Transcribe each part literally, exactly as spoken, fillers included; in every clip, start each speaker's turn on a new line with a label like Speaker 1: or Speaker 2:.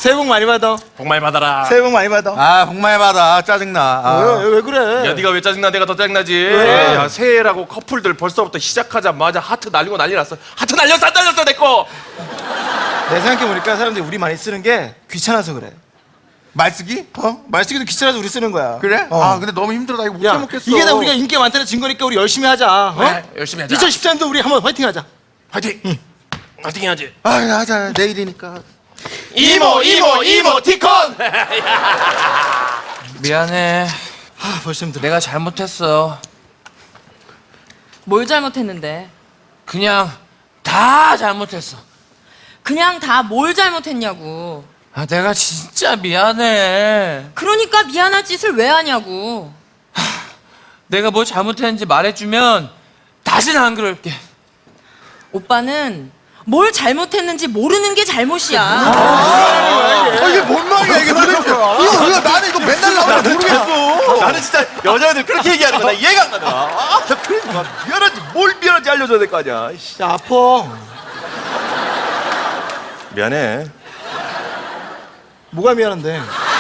Speaker 1: 새해 복 많이 받아.
Speaker 2: 복 많이 받아라.
Speaker 1: 새해 복 많이 받아.
Speaker 3: 아, 복 많이 받아. 짜증나. 아.
Speaker 1: 왜, 왜 그래?
Speaker 2: 야, 네가 왜 짜증나? 내가 더 짜증나지.
Speaker 1: 왜?
Speaker 2: 야, 새해라고 커플들 벌써부터 시작하자마자 하트 날리고 난리 났어. 하트 날렸어, 안 날렸어, 내 거.
Speaker 1: 내 생각해보니까 사람들이 우리 많이 쓰는 게 귀찮아서 그래.
Speaker 3: 말쓰기?
Speaker 1: 어? 말쓰기도 귀찮아서 우리 쓰는 거야.
Speaker 3: 그래?
Speaker 1: 어.
Speaker 3: 아, 근데 너무 힘들어. 나 이거 못
Speaker 1: 야,
Speaker 3: 해먹겠어.
Speaker 1: 이게 다 우리가 인기가 많다는 증거니까 우리 열심히 하자. 어?
Speaker 2: 그래, 열심히 하자.
Speaker 1: 이천십삼 년도 우리 한번 화이팅 하자.
Speaker 2: 화이팅. 응. 화이팅 해야지.
Speaker 3: 아, 하자. 내일이니까.
Speaker 2: 이모, 이모, 이모, 티콘.
Speaker 4: 미안해.
Speaker 1: 아, 벌써 힘들어.
Speaker 4: 내가 잘못했어.
Speaker 5: 뭘 잘못했는데?
Speaker 4: 그냥 다 잘못했어.
Speaker 5: 그냥 다 뭘 잘못했냐고.
Speaker 4: 아, 내가 진짜 미안해.
Speaker 5: 그러니까 미안할 짓을 왜 하냐고.
Speaker 4: 내가 뭐 잘못했는지 말해주면 다시는 안 그럴게.
Speaker 5: 오빠는 뭘 잘못했는지 모르는 게 잘못이야.
Speaker 3: 아, 이게 뭔 말이야, 이게 도대체. 이거, 이거 나는 이거 맨날 나오면 모르겠어.
Speaker 2: 나는 진짜 여자애들 그렇게 얘기하는 거 나 이해가 안 가더라. 아, 나 그러니까 미안한지 뭘 미안한지 알려줘야 될 거 아니야. 이씨.
Speaker 1: 야, 아파.
Speaker 2: 미안해.
Speaker 1: 뭐가 미안한데?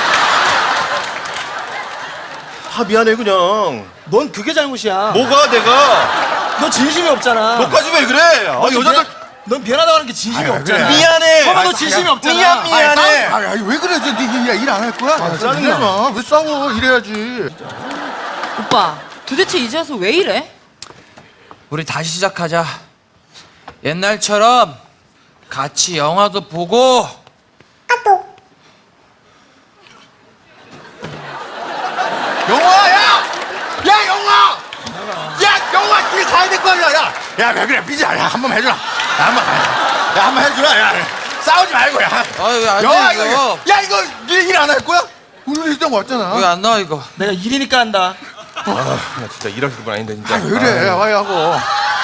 Speaker 2: 아, 미안해 그냥.
Speaker 1: 넌 그게 잘못이야.
Speaker 2: 뭐가 내가?
Speaker 1: 너 진심이 없잖아.
Speaker 2: 너까지 왜 그래? 아,
Speaker 1: 넌
Speaker 2: 여자들
Speaker 1: 미안- 넌 미안하다고 하는 게 진심이
Speaker 3: 아유,
Speaker 1: 없잖아.
Speaker 3: 그래.
Speaker 2: 미안해.
Speaker 1: 봐봐, 너
Speaker 2: 아,
Speaker 1: 진심이
Speaker 2: 야,
Speaker 1: 없잖아.
Speaker 2: 미안 미안해.
Speaker 3: 아, 아, 왜 그래? 일 안 할 거야? 아,
Speaker 1: 짜증나.
Speaker 3: 마. 왜 싸워? 이래야지.
Speaker 5: 오빠, 도대체 이제 와서 왜 이래?
Speaker 4: 우리 다시 시작하자. 옛날처럼 같이 영화도 보고.
Speaker 3: 영화, 야! 야, 영화! 야, 영화 뒤에 가야 될 거 아니야, 야! 야, 왜 그래? 삐지, 야, 한 번 해주라. 야, 한 번, 야, 한 번 해주라, 야. 싸우지 말고, 야.
Speaker 4: 아유, 안
Speaker 3: 영화,
Speaker 4: 돼,
Speaker 3: 이거,
Speaker 4: 이거.
Speaker 3: 야, 이거 일 안 할 거야? 오늘 일정 왔잖아.
Speaker 4: 왜 안 나와, 이거?
Speaker 1: 내가 일이니까 한다.
Speaker 2: 아, 나 진짜 일하실 분 아닌데 진짜.
Speaker 3: 아, 왜 그래? 와이 하고.